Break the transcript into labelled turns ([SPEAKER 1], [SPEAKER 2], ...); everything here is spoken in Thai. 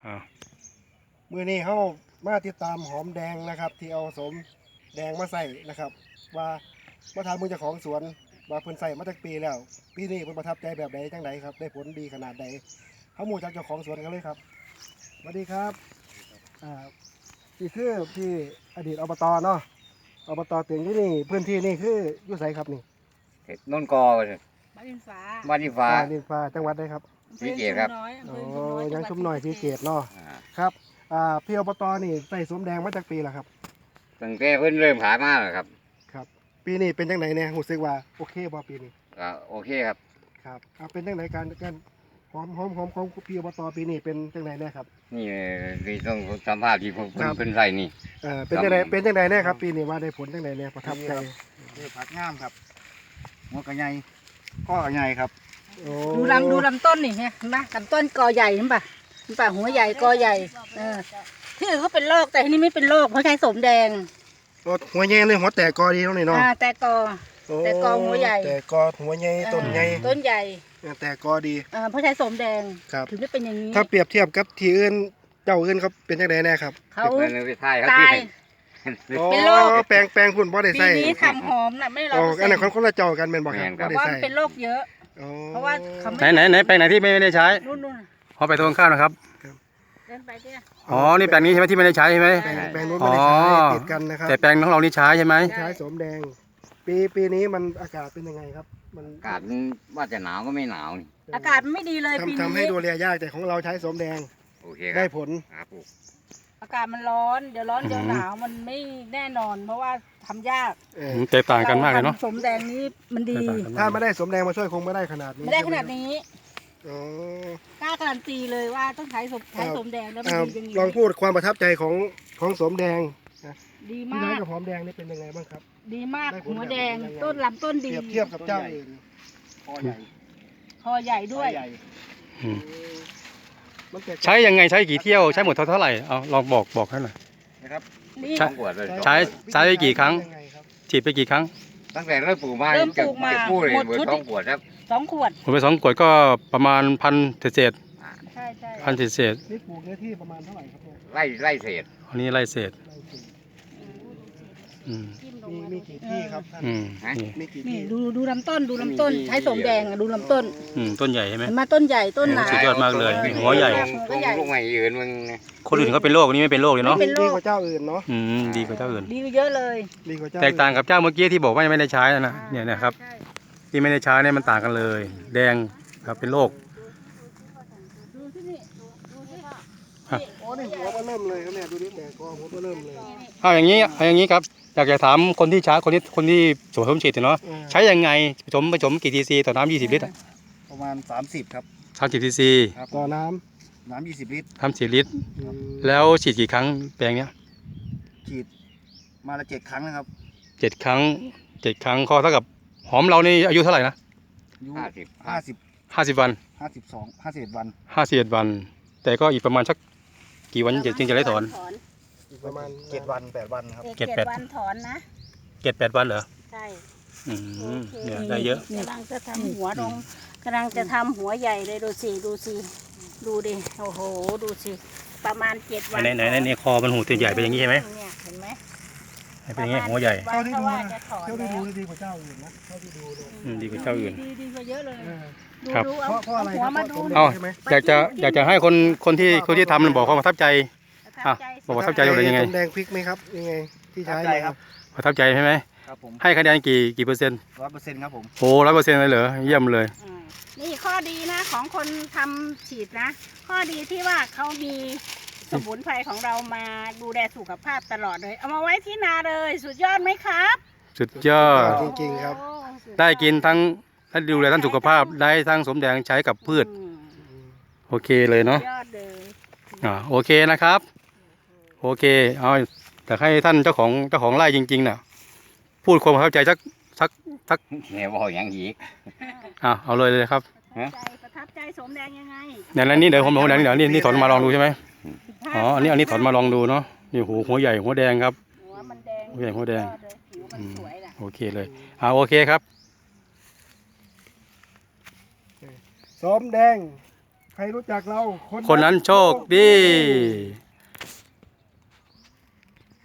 [SPEAKER 1] มื้อนี้เขามาติดตามหอมแดงนะครับที่เอาสมแดงมาใส่นะครับว่ามาถามมือเจ้าของสวนว่าเพิ่นใส่มาจากปีแล้วปีนี้เพิ่นประทับใจแบบใดจังใดครับได้ผลดีขนาดใดเขาหมู่จากเจ้าของสวนกันเลยครับสวัสดีครับนี่คือที่อดีตอบตเนาะอบตเตียงที่นี่พื้นที่นี่คืออยู่ไสครับนี่
[SPEAKER 2] นนกอเลย
[SPEAKER 3] บ้านดินฟ้า
[SPEAKER 2] บ้านที่ฟ้า
[SPEAKER 1] ดินฟ้าจังหวัดใดครับ
[SPEAKER 2] ศรีเกตครับ
[SPEAKER 1] อ๋อยังชุ่มหน่อยสีเกตเนาะ
[SPEAKER 2] อ่า
[SPEAKER 1] ครับพี่อบตนี่ใส่สวมแดงมาจากปีแล้วครับ
[SPEAKER 2] ตั้งแต่เพิ่นเริ่มขายมาแล้วครับ
[SPEAKER 1] ครับ ปีนี้เป็นจังไหนเนี่ยรู้สึกว่าโอเคบ่ปีนี้
[SPEAKER 2] ก็โอเคครับ
[SPEAKER 1] ครับเป็นจังไหนการหอมของพี่อบตปีนี้เป็นจังไหนเนี่ยครับ
[SPEAKER 2] นี่ต้องสัมภาษณ์ที่ผม
[SPEAKER 1] ครับ
[SPEAKER 2] เพิ่นใส่นี่
[SPEAKER 1] เป็นจังไหนเนี่ยครับปีนี้ว่าได้ผลจังไหนเนี่ยประทับใจ
[SPEAKER 4] คือผักงามครับหัวกระไงข้อกระไงครับ
[SPEAKER 1] โอ้
[SPEAKER 3] ดูลำต้นนี่เห็นปะลำต้นกอใหญ่เห็นปะหัวใหญ่กอใหญ่ที่อื่นเขาเป็นโรคแต่ที่นี่ไม่เป็นโรคเพราะใช้สมแดง
[SPEAKER 1] หัวใหญ่เลยหัวแตกกอดีตรงนี้เนาะ
[SPEAKER 3] แต่กอ แต่กอหัวใหญ่
[SPEAKER 1] แต่กอหัวใหญ่ต้นใหญ่
[SPEAKER 3] ต้นใหญ่
[SPEAKER 1] แต่กอดี
[SPEAKER 3] เพราะใช้สมแดง
[SPEAKER 1] ครับ
[SPEAKER 3] ถึงได้เป็นอย่างนี้
[SPEAKER 1] ถ้าเปรียบเทียบกับที่อื่นเจ้าอื่นเขาเป็นจังไดแน่ครับ
[SPEAKER 3] เขา
[SPEAKER 2] เพิ่นไปถ่ายเขา
[SPEAKER 3] ตา
[SPEAKER 2] ที่
[SPEAKER 3] ย
[SPEAKER 2] ให้
[SPEAKER 3] เป็นโรค
[SPEAKER 1] แปลงพุ่นบ่ได้
[SPEAKER 3] ปี
[SPEAKER 1] ใส่
[SPEAKER 3] นี้ทำหอมน่ะไม่ร้
[SPEAKER 1] อ๋
[SPEAKER 3] อ
[SPEAKER 1] อย อันนั้นคนละเจ้ากันเป็นบ่ครับ
[SPEAKER 3] เพ
[SPEAKER 1] บ่
[SPEAKER 3] ราะ
[SPEAKER 1] ได้
[SPEAKER 3] ว่า
[SPEAKER 1] ใส่
[SPEAKER 3] มันเป็นโรคเยอะ
[SPEAKER 1] อ๋อ
[SPEAKER 3] เพราะว่าเขาไม่
[SPEAKER 5] ไหนแปลงไหนที่ไม่ได้ใช้
[SPEAKER 3] นู่น
[SPEAKER 5] ขอไปตรงข้ามนะครับ
[SPEAKER 3] เดินไปเนี่ย
[SPEAKER 5] อ๋อ นี่แปลงนี้ใช่ไหมที่ไม่ได้ใช้ใช่ไหม
[SPEAKER 1] แปลงนู้นไม่ได้ใช้
[SPEAKER 5] อ๋อ
[SPEAKER 1] ติดกันนะครับ
[SPEAKER 5] แต่แปลงของเรานี่ใช้ใช่ไหม
[SPEAKER 1] ใช้สมแดง ปีนี้มันอากาศเป็นยังไงครับ มัน
[SPEAKER 2] อากาศมันว่าจะหนาวก็ไม่หนาวนี่
[SPEAKER 3] อากาศมันไม่ดีเลยปี
[SPEAKER 1] ทำให้
[SPEAKER 3] นี้
[SPEAKER 1] ดูแลยากแต่ของเราใช้สมแดง
[SPEAKER 2] โอเคค
[SPEAKER 1] ได้
[SPEAKER 2] รับ
[SPEAKER 1] ผล
[SPEAKER 2] ครับผม
[SPEAKER 3] อากาศมันร้อนเดี๋ยวร้อนเดี๋ยวหนาวมันไม่แน่นอน เพราะว่าทำยาก
[SPEAKER 5] แตกต่างกันมากเลยเนาะ
[SPEAKER 3] รทำสมแดงนี้มันดี
[SPEAKER 5] แตกต่างกัน
[SPEAKER 1] ถ้าม
[SPEAKER 5] าก
[SPEAKER 1] ไม่ได้สมแดงมาช่วยคงไม่ได้ขนาดนี้
[SPEAKER 3] ไม่ได้ขนาดนี้
[SPEAKER 1] อ๋อก
[SPEAKER 3] ล้าการันตีเลยว่าต้องใช้สมแดงแล้วมันดีอย่างนี้
[SPEAKER 1] ลองพูดความประทับใจของสมแดง
[SPEAKER 3] ดี
[SPEAKER 1] พี่
[SPEAKER 3] มา
[SPEAKER 1] น้อย
[SPEAKER 3] ก
[SPEAKER 1] กับหอมแดงนี่เป็นยังไงบ้างครับ
[SPEAKER 3] ดีมาก
[SPEAKER 1] ได้ผล
[SPEAKER 3] หัวแดง
[SPEAKER 1] แบบไหน
[SPEAKER 3] ต้นลำต้น
[SPEAKER 1] เป
[SPEAKER 3] ดี
[SPEAKER 1] รียบเทียบกับเจ้าอื่น
[SPEAKER 4] คอใหญ่
[SPEAKER 3] คอใหญ่ด้วย
[SPEAKER 4] ใหญ่
[SPEAKER 5] อืม
[SPEAKER 1] มันแตก
[SPEAKER 5] ใช้ยังไงใช้กี่เที่ยวใช้หมดเท่าไหร่เอาลองบอกให้หน่อย
[SPEAKER 4] นะครับ
[SPEAKER 3] นี่
[SPEAKER 5] ใช่
[SPEAKER 2] สองขวดเลย
[SPEAKER 5] ใช้ไปกี่ครั้ง
[SPEAKER 1] ยังไงครับ
[SPEAKER 5] ฉีดไปกี่ครั้ง
[SPEAKER 2] ตั้งแต่เริ่มปลูกมา
[SPEAKER 3] เริ่มปลูกมา
[SPEAKER 2] จะพูดเลย
[SPEAKER 3] หมด
[SPEAKER 2] เบอ
[SPEAKER 3] ชุด
[SPEAKER 2] ร์สองขวดครับ
[SPEAKER 3] 2 ขวด
[SPEAKER 5] ผมไป2 ขวดก็ประมาณ1,000เศษ
[SPEAKER 3] ใช่ใช่
[SPEAKER 5] พันเศษ
[SPEAKER 1] นี่ปลูกเนื้อที่ประมาณเท่าไหร่ครับเนี่ย
[SPEAKER 2] ไล่เศษ
[SPEAKER 5] อันนี้ไล่เศษ
[SPEAKER 1] ไร่เศษ
[SPEAKER 5] อืม
[SPEAKER 1] มีกี่ที่ครับท่าน
[SPEAKER 5] อืมนี่
[SPEAKER 1] มีกี่
[SPEAKER 3] นี่
[SPEAKER 1] ที่
[SPEAKER 3] ดูลำต้นดูลำต้นใช้สมแดงดูลำต้น
[SPEAKER 5] ต้นใหญ่ใช่ไหม
[SPEAKER 3] เห็นไหมาต้นใหญ่ต้นหนา
[SPEAKER 5] สุดยอดมากเลยหัวใหญ่
[SPEAKER 2] ตรงลูกใหม่ยืนมึง
[SPEAKER 5] คนอื่นเขาเป็นโรคอันนี้ไม่เป็นโรคเลยเนาะ
[SPEAKER 3] เป็นโร
[SPEAKER 1] ดี
[SPEAKER 3] ค
[SPEAKER 1] กว่าเจ้าอื่นเนาะ
[SPEAKER 5] ดีกว่าเจ้าอื่น
[SPEAKER 3] ดีกว่าเยอะเลย
[SPEAKER 1] ดีกว่าเจ้า
[SPEAKER 5] แตกต่างกับเจ้าเมื่อกี้ที่บอกว่ายังไม่ได้ใช้นะเนี่ยนะครับ
[SPEAKER 3] ใช่
[SPEAKER 5] ที่ไม่ได้ใช้เนี่ยมันต่างกันเลย แดงครับเป็นโรค
[SPEAKER 3] ดูที่นี่ดูที่ว่า
[SPEAKER 1] โอ้นี่หัวก็เริ่มเลยครับเนี่ยดูนี่แตกกอหัวก็เริ่มเลย
[SPEAKER 5] เอาอย่างนี้ครับอยากจะถามคนที่ใช้คนที่สวมฉีดเนาะใช้ยังไงผสมกี่ทีซีต่อน้ำ20 ลิตร
[SPEAKER 4] ประมาณ30ครับ
[SPEAKER 5] 30ทีซี
[SPEAKER 1] ต่อน้
[SPEAKER 4] น้ำ20 ลิตร
[SPEAKER 5] 30 ลิตร
[SPEAKER 1] ำอืม
[SPEAKER 5] แล้วฉีดกี่ครั้งแปลงเนี้ย
[SPEAKER 4] ฉีดมาละ7 ครั้งนะครับ
[SPEAKER 5] 7 ครั้ง7 ครั้งก็เท่ากับหอมเรานี่อายุเท่าไหร่นะ
[SPEAKER 4] อายุ
[SPEAKER 2] 50
[SPEAKER 5] 50 วัน
[SPEAKER 4] 52 51 วัน
[SPEAKER 5] 51 วัน แต่ก็อีกประมาณสักกี่วันจึงจะได้ถอน
[SPEAKER 1] อีกประมาณ
[SPEAKER 4] 7 วัน 8 วันครับ
[SPEAKER 5] เก็บ
[SPEAKER 3] 7 วันถอนนะ
[SPEAKER 5] 7-8 วันเหรอ
[SPEAKER 3] ใช่
[SPEAKER 5] อืมเนี่ยได้เยอะ
[SPEAKER 3] กำลังจะทำหัวลงกำลังจะทำหัวใหญ่เลยดูสิดูดิโอ้โหดูสิประมาณ7 วัน
[SPEAKER 5] ไหนคอมันหูตัวใหญ่เป็นอย่างนี้ใช่ไหม
[SPEAKER 3] เนี่ยเห็นไหม
[SPEAKER 5] เป็นอย่างนี้หัวใหญ่
[SPEAKER 1] เท่าที่ดู
[SPEAKER 3] ว่า
[SPEAKER 1] นะ
[SPEAKER 3] จะถอน
[SPEAKER 1] เท่าที่
[SPEAKER 3] แล้ว
[SPEAKER 1] ดูดีกว่าเจ้าอื่นนะเท่าที่ดูเลย
[SPEAKER 5] ดีกว่าเจ้าอื่น
[SPEAKER 3] ดีกว่าเยอะเลย
[SPEAKER 1] เออ
[SPEAKER 5] ครับ
[SPEAKER 3] ดู
[SPEAKER 1] เพราะอะไร
[SPEAKER 3] หัว
[SPEAKER 1] ครับ
[SPEAKER 3] มา
[SPEAKER 1] เพ
[SPEAKER 3] ดู
[SPEAKER 1] ราะสมแด
[SPEAKER 5] เอา
[SPEAKER 1] งใช่ไหม
[SPEAKER 5] อยากจะให้คนที่ทำมันบอกความประทับใจ อ่ะบอกว่าประทับใจ เป็นยังไง
[SPEAKER 1] สมแดงพริกไหมครับยังไงที่ใช้
[SPEAKER 4] ประทับใจครับ
[SPEAKER 5] ประทับใจใช่ไหม
[SPEAKER 4] ครับผม
[SPEAKER 5] ให้คะแนนกี่เปอร์เซ็นต์
[SPEAKER 4] 100%ครับผม
[SPEAKER 5] โอ้100%เลยเหรอเยี่ยมเลย
[SPEAKER 3] นี่ข้อดีนะของคนทำฉีดนะ ข้อดีที่ว่าเขามีสมุนไพรของเรามาดูแลสุขภาพตลอดเลย เอามาไว้ที่นาเลย สุดยอดไหมครับ
[SPEAKER 5] สุดยอด
[SPEAKER 1] จริงๆครับ
[SPEAKER 3] โอ้สุยอ
[SPEAKER 5] ได้กินทั้งดูแลทั้งสุขภาพได้ทั้งสมแดงใช้กับพืช
[SPEAKER 3] อืม
[SPEAKER 5] โอเคเลยเนาะ
[SPEAKER 3] ยอดเลย
[SPEAKER 5] โอเคนะครับ โอเคเอาแต่ให้ท่านเจ้าของไร่จริงๆน่ะพูดความประทับใจสัก
[SPEAKER 2] แหมบอกอย่างอีก
[SPEAKER 5] เอาเลยครับ
[SPEAKER 3] ประทับใจสมแดงยังไง
[SPEAKER 5] ในนั้นนี่เดี๋ยวผมแดงเดี๋ยวนี่ถอนมาลองดูใช่ไหมอ๋ออันนี้ถอนมาลองดูเนาะนี่หัวใหญ่หัวแดงครับ
[SPEAKER 3] หัวมันแดง
[SPEAKER 5] หัวใหญ่หัวแดง
[SPEAKER 3] ยอเลยผิวมันสวยน่ะ
[SPEAKER 5] โอเคเลยโอเคครับ
[SPEAKER 1] สมแดงใครรู้จักเรา
[SPEAKER 5] คนนั้นโชคดี